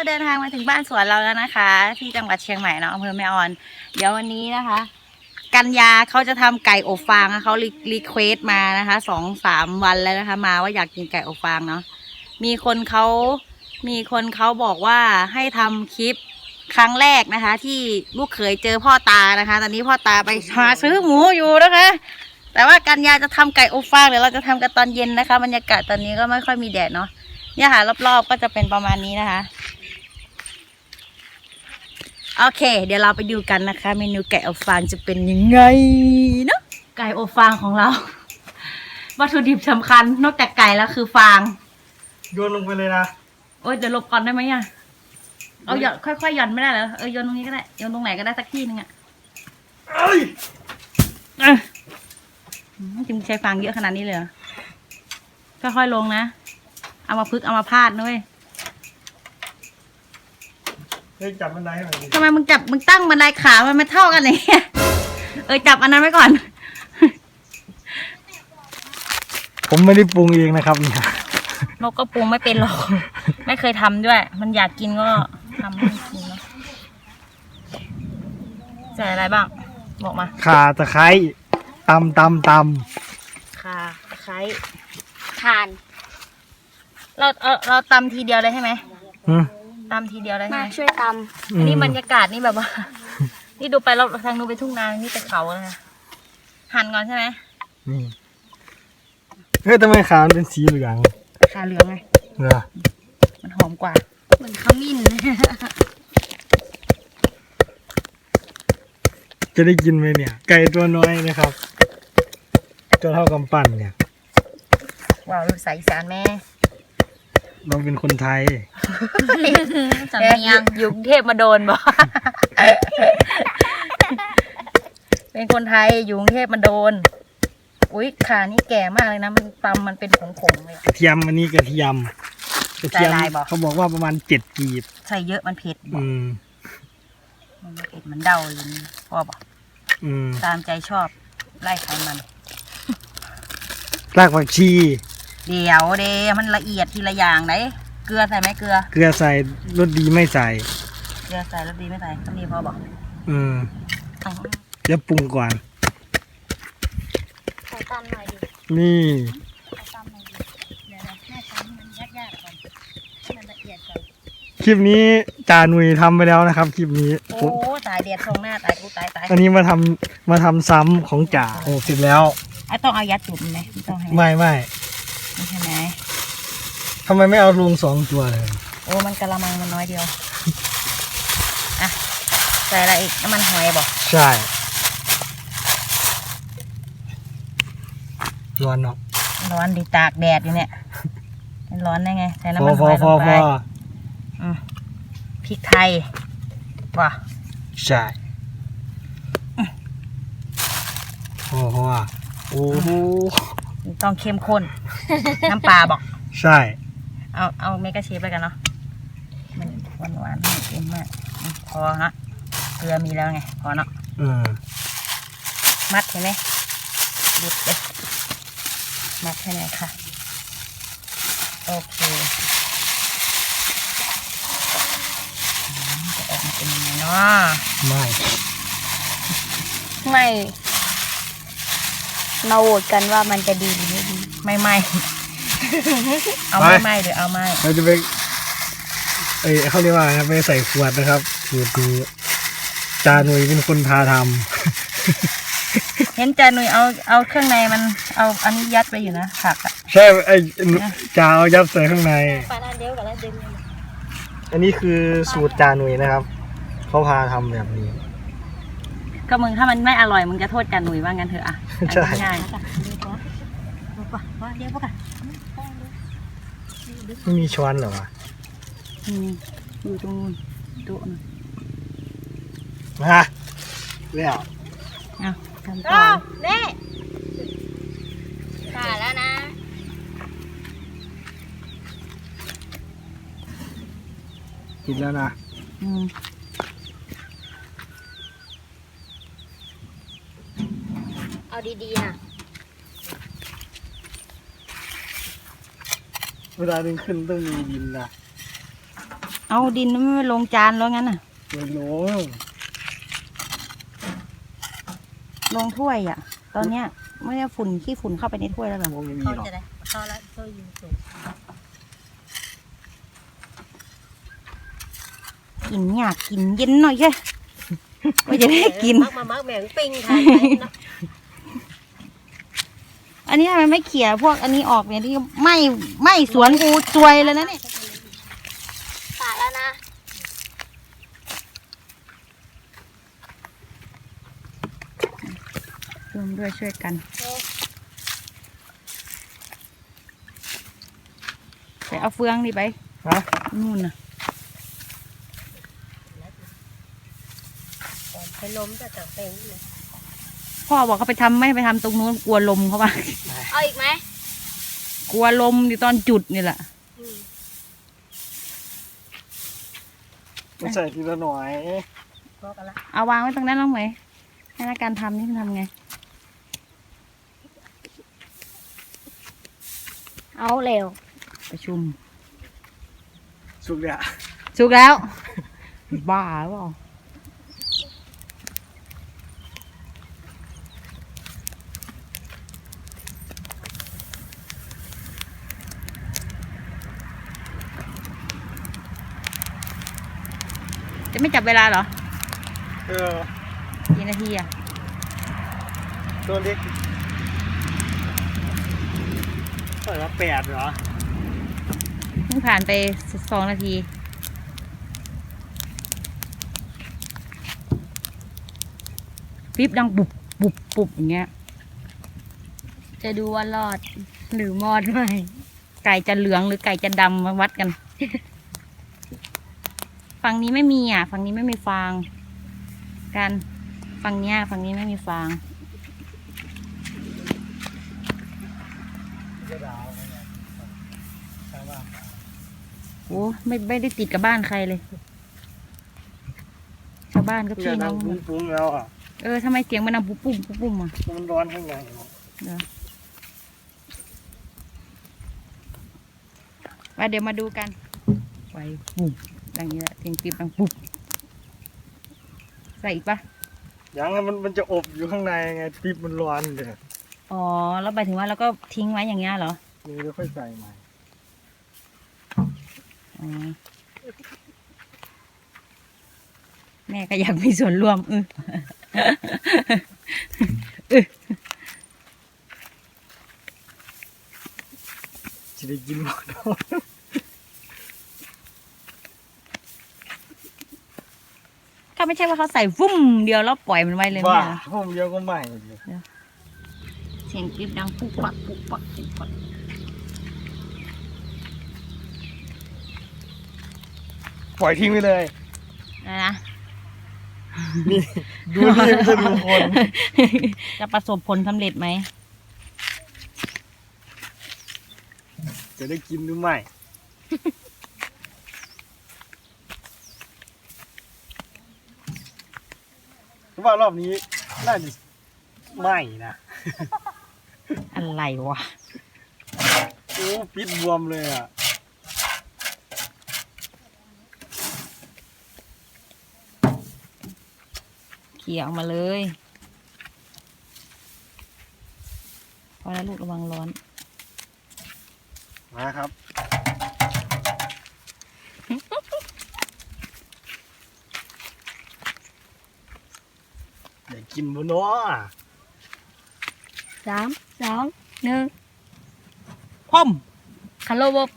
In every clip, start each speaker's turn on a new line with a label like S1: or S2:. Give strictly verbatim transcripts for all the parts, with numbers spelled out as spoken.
S1: เดินทางมาถึงบ้านสวนเราแล้วนะคะ ที่จังหวัดเชียงใหม่เนาะอำเภอแม่ออนเดี๋ยววันนี้นะคะกันยาเขาจะทำไก่อบฟางเขารีเควสมานะคะสองสามวันแล้วนะคะมาว่าอยากกินไก่อบฟางเนาะมีคนเขามีคนเขาบอกว่าให้ทำคลิปครั้งแรกนะคะที่ลูกเขยเจอพ่อตานะคะตอนนี้พ่อตาไปหาซื้อหมูอยู่นะคะแต่ว่ากันยาจะทำไก่อบฟางเดี๋ยวเราจะทำกันตอนเย็นนะคะบรรยากาศตอนนี้ก็ไม่ค่อยมีแดดเนาะเนี่ยค่ะรอบๆก็จะเป็นประมาณนี้นะคะโอเคเดี๋ยวเราไปดูกันนะคะเมนูไก่อบฟางจะเป็นยังไงเนาะไก่อบฟางของเราวัตถุดิบสำคัญนอกจากไก่แล้วคือฟาง
S2: โยนลงไปเลยนะ
S1: โอ้ยเดี๋ยวลบก่อนได้ไหมอ่ะเอาหย่อนค่อยๆหย่อนไม่ได้เหรอเออโยนตรงนี้ก็ได้โยนตรงไหนก็ได้สักที่นึงอ่ะเอ้ยจึงใช้ฟางเยอะขนาดนี้เลยค่อยๆลงนะเอามาพึกเอามาพาดด้วย
S2: เฮ้ยจับบันไดให้หน่อยดิ
S1: ทำไมมึงจับมึงตั้งบันไดขามันไม่เท่ากันเลยเออจับอันนั้นไว้ก่อน
S2: ผมไม่ได้ปรุงเองนะครับเนี่ย
S1: นกก็ปรุงไม่เป็นหรอกไม่เคยทำด้วยมันอยากกินก็ทำให้กินเนาะใส่อะไรบ้างบอกมา
S2: ข่าตะไคร้ตำตำต
S1: ำข่าตะไคร้ข่านเราเราเราตำทีเดียวเลยใช่ไหมตำทีเดียวเลยใช่ไหม
S3: ช่วยต
S1: ำอันนี้บรรยากาศนี่แบบว่านี่ดูไปเราทางนู้นไปทุ่งนานี่ไปเขาเลยนะหั่นก่อนใช่ไหม
S2: นี่เฮ้ยทำไมขามันเป็นสีเหลือง
S1: ขาเหลืองไง
S2: เหรอ
S1: มันหอมกว่า
S3: เหมือนขมิ้น
S2: จะได้กินไหมเนี่ยไก่ตัวน้อยนะครับตัวเท่ากำปั้นเนี่ย
S1: ว้าวลูกสายอีสานแม่
S2: เราเป็นคนไทย
S1: สำเนียงอยู่กรุงเทพมาโดนบ่เป็นคนไทยอยู่กรุงเทพมาโดนอุ้ยขานี่แก่มากเลยนะมันตำมันเป็นผงๆเลย
S2: กระเทียมอันนี้กระเทียมกระเทียมเขาบอกว่าประมาณเจ็ดกีบ
S1: ใส่เยอะมันเผ็ด
S2: อืม
S1: มันเผ็ดมันเดาเลยพ่อบอก
S2: อืม
S1: ตามใจชอบไล่ไขมัน
S2: รากผักชี
S1: เดี๋ยวเดมันละเอียดทีละอย่างไหนเกลือใส่ไหมเกลือ
S2: เกลือใส่รสดีไม่ใส่
S1: เกลือใส่รสดีไม่ใส่ก็นี่พ่อบอก
S2: อืมเดี๋ยวปรุงก่อน
S3: ใส่ตามหน่อยดิ
S2: นี่คลิปนี้จาหนุ่ยทำไปแล้วนะครับคลิปนี้
S1: โอ้ตายเดียดตรงหน้าตายกูตายตาย
S2: อันนี้มาทำมาทำซ้ำของจ่าโอ้เสร็จแล้ว
S1: ไอ้ต้องเอายัดจุ่มไหมต้องให้
S2: ไม่ไม่
S1: ไม่ใช่ไหม
S2: ทำไมไม่เอาลงสองตัวเลย
S1: โอ้มันกะละมังมันน้อยเดียวอ่ะใส่อะไรอีกน้ำมันหอยบอก
S2: ใช่ร้อนเนาะ
S1: ร้อนดีตากแดดอยู่เนี่ยมันร้อนได้ไงใส่น้ำ
S2: มั
S1: นหอยลงไปพริกไทยว่ะ
S2: ใช่โอ้โหโอ้โห
S1: ต้องเข้มข้นน้ำปลาบอก
S2: ใช่
S1: เอาเอาเมกะเชฟไปกันเนาะมันหวานหวานไม่เค็มมากพอนะเกลือมีแล้วไงพอเนาะ
S2: อืม
S1: มัดเห็นไหมดิบเลยมัดให้หน่อยค่ะโอเคจะออกมาเป็นยังไงเนาะ
S2: ไม่
S3: ไม่มาโหวตกันว่ามันจะดีหรือไม่ดี
S1: ไม่ไม่เอาไม่ไม่หรือเอาไม่
S2: เราจะไปเอ้ยเขาเรียกว่าไปใส่ขวดนะครับสูตรนี้จาหนุ่ยเป็นคนพาท
S1: ำเห็นจาหนุ่ยเอาเอาเครื่องในมันเอาอันนี้ยัดไปอยู่นะผักอ่ะ
S2: ใช่ไอ้จาเอายัดใส่ข้างในอันนี้คือสูตรจาหนุ่ยนะครับเขาพาทำแบบนี้
S1: ก็มึงถ้ามันไม่อร่อยมึงจะโทษจาหนุ่ยว่างั้นเถอะอ่ะ
S2: ใช่
S1: ง่าย
S2: ไม่มีช้อนเหรอวะ
S1: อยู่ตรงนู้นโต๊ะนะ
S2: มาแล้ว
S1: เอาทำต่อ
S3: แม่ขาแล้วนะ
S2: กินแล้วนะ
S1: อืม
S3: เอาดีๆนะ
S2: เวลาดึงขึ้นต้องมีดินนะ
S1: เอาดินไม่ลงจานแล้วงั้นน่ะ
S2: ไม่ลง
S1: ลงถ้วยอ่ะ ตอนเนี้ยไม่ได้ฝุ่นขี้ฝุ่นเข้าไปในถ้วยแล้วเหรอ
S2: ไม่มีหรอก
S3: เข้าแล้วเข้ายิงสูง
S1: กินอยากกินเย็นหน่อยแค่ก็จะได้กิน
S3: มักมามักแมงปิ้งทานนะ
S1: อันนี้ทำไมไม่เขี่ยพวกอันนี้ออกเนี่ยที่ไม่ไม่สวนกูซวยเลยนะเนี่ย
S3: สาแล้วนะ
S1: รวมด้วยช่วยกันไปเอาเฟืองดิไป
S2: ฮะ
S1: นู่นน่ะ
S3: ไปล้มจะจับเป็นเลย
S1: พ่อบอกเขาไปทำไม่ไปทำตรงนู้นกลัวลมเขาว่า
S3: เอาอีกไหม
S1: กลัวลมอยู่ตอนจุดนี่แหละ
S2: มาใส่ทีละหน่อย
S3: พอกันละ
S1: เอาวางไว้ตรงนั้นแล้วไหมให้นักการทำนี่มันทำไง
S3: เอาเร็ว
S1: ประชุม
S2: สุกเนี่ย
S1: สุกแล้ว บ้าหรือเปล่าจะไม่จับเวลาเหรอ
S2: เออ
S1: กี่นาทีอ่ะ
S2: ตัวเล็กเท่าไหร่ละแปดเหรอ
S1: เพิ่งผ่านไปสองนาทีปิ๊บดังบุบบุบบุบอย่างเงี้ย
S3: จะดูว่ารอดหรือมอดไหม
S1: ไก่จะเหลืองหรือไก่จะดำมาวัดกัน ฝั่งนี้ไม่มีอ่ะ ฝั่งนี้ไม่มีฟาง กัน ฝั่งเนี้ยฝั่งนี้ไม่มีฟาง โอ้ไม่ไม่ได้ติดกับบ้านใครเลย ชาวบ้านก็
S2: เพื่
S1: พี่
S2: อน
S1: น้
S2: นั่
S1: อง ง
S2: ปุ้งๆแล้วอ่ะ
S1: เออทำไมเสียงมันดังปุ๊บปุ๊บปุ๊บปุ๊บอ่ะ
S2: มันร้อนข้างใน
S1: เดี๋ยวมาเดี๋ยวมาดูกันไฟปุ๊บดังนี้แหละเสียงปิ๊บดังปุ๊บใส่อีกปะ
S2: ยังแล้วมันมันจะอบอยู่ข้างในไงปิ๊บมันร้อนเดี๋ยว
S1: อ๋อ แล้วหมายถึงว่าเราก็ทิ้งไว้อย่างเงี้ยเหรอ
S2: นี่แล้วค่อยใส่ใหม่
S1: อ๋อ แม่ก็อยากมีส่วนร่วมอือ
S2: จะได้กินหมด
S1: ก็ไม่ใช่ว่าเขาใส่ฟุ้มเดียวแล้วปล่อยมันไว้เลย
S2: ว่า
S1: แม่นะ
S2: ผมเดียวก็ใหม่เลย
S1: เสียงกรี๊ดดังปุ๊บปักปุ๊บปักปุ๊บปัก
S2: ปล่อยทิ้งไปเลย
S1: อะไรนะ
S2: นี่ ดูนี่มันจะดูคน
S1: จะประสบผลสำเร็จไหม
S2: จะได้กินหรือไม่เพราะว่ารอบนี้น่าจะไม่นะ
S1: อะไรวะ
S2: โอ้ปิดบวมเลยอ่ะ
S1: เขี่ยออกมาเลย พอแล้วลูกระวังร้อน
S2: มาครับ เดี๋ยวกินบนน้อ
S3: สามสองหนึ่ง
S1: พ่อม
S3: คันโลบ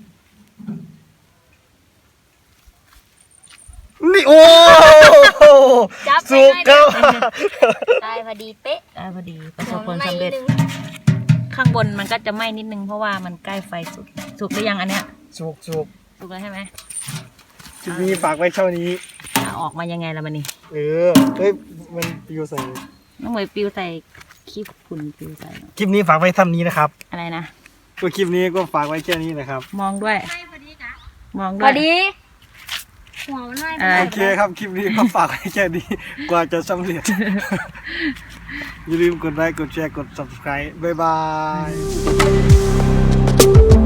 S2: นี่โอ้
S3: จับ
S2: สุกครับ
S3: ได้พอดีเป๊ะ
S1: ได้พอดีประสบผลสำเร็จ ข้างบนมันก็จะไหม้นิดนึงเพราะว่ามันใกล้ไฟสุกสุกหรือยังอันเนี้ย
S2: สุกสุก
S1: สุกแล้วใช่ไหม
S2: คลิปนี้ฝากไว้เท่านี้
S1: เอาออกมายังไงละมันนี่
S2: เออ เฮ้ย มันปลิวใส่
S1: น้องเหมยปิวใส่ขี้ฝุ่นปิวใส่
S2: คลิปนี้ฝากไว้เท่านี้นะครับ
S1: อะไรนะ
S2: ก็คลิปนี้ก็ฝากไว้แค่นี้นะครับ
S1: มองด้วย มอง
S3: พ
S1: ด้ว
S3: อย ดีหัวมันไม่
S1: อะไร
S2: โอเคครับ คลิปนี้ก็ฝากไว้แค่นี้ กว่าจะสำเร็จ อย่าลืมกดไลค์ กดแชร์ กด subscribe บ๊ายบาย